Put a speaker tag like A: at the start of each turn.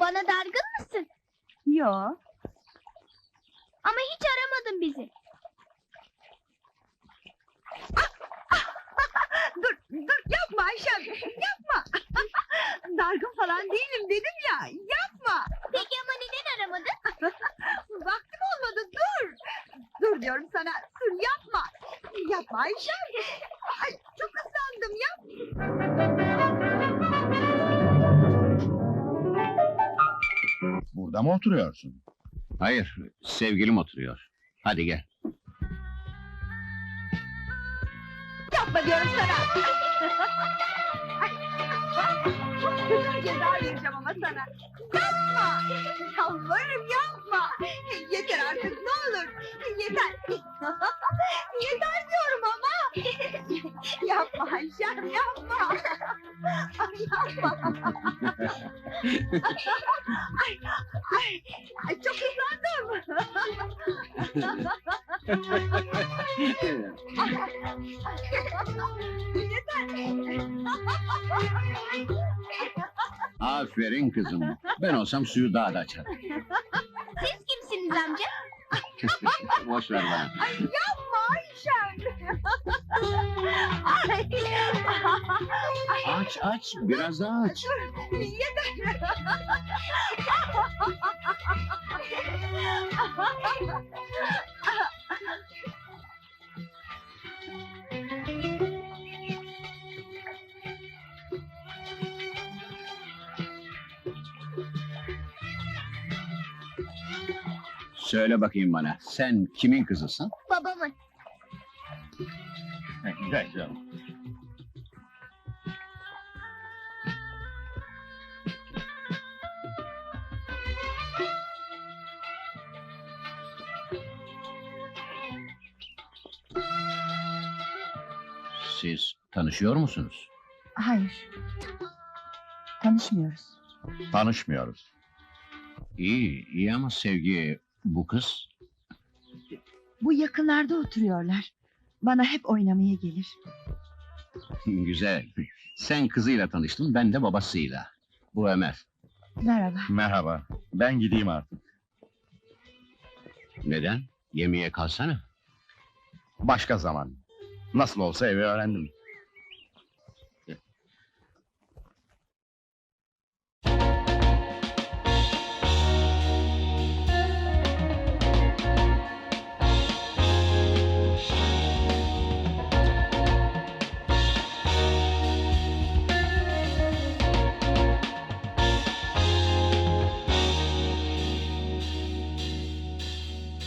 A: Bana dargın mısın?
B: Yo.
A: Ama hiç aramadın bizi.
B: Dur yapma Ayşem, yapma. Dargın falan değilim dedim ya, yapma.
A: Peki ama neden aramadın?
B: Vaktim olmadı, dur. Dur diyorum sana, dur yapma. Yapma Ayşem. Ay, çok ıslandım, yap.
C: Burada mı oturuyorsun?
D: Hayır, sevgilim oturuyor. Hadi gel.
B: Yapma diyorum sana. Ay, çok kötü bir ceza vereceğim ama sana. Yapma. Yalvarırım yapma. Yeter artık ne olur. Yeter. Yeter diyorum ama. Yapma Ayşem yapma. Ay, yapma. Ay, çok ıslandım.
D: Aferin kızım. Ben olsam suyu daha da açarım.
A: Siz kimsiniz amca?
D: Boş ver bana.
B: Ay yapma Ayşem. Ay.
D: Aç aç, biraz daha aç.
B: Yeter.
D: Söyle bakayım bana, sen kimin kızısın?
A: Babamın.
C: Gel canım.
D: Siz tanışıyor musunuz?
B: Hayır. Tanışmıyoruz.
C: Tanışmıyoruz.
D: İyi, iyi ama Sevgi, bu kız...
B: Bu yakınlarda oturuyorlar. Bana hep oynamaya gelir.
D: Güzel. Sen kızıyla tanıştın, ben de babasıyla. Bu Ömer.
B: Merhaba.
C: Merhaba. Ben gideyim artık.
D: Neden? Yemeğe kalsana.
C: Başka zaman. Nasıl olsa evi öğrendim.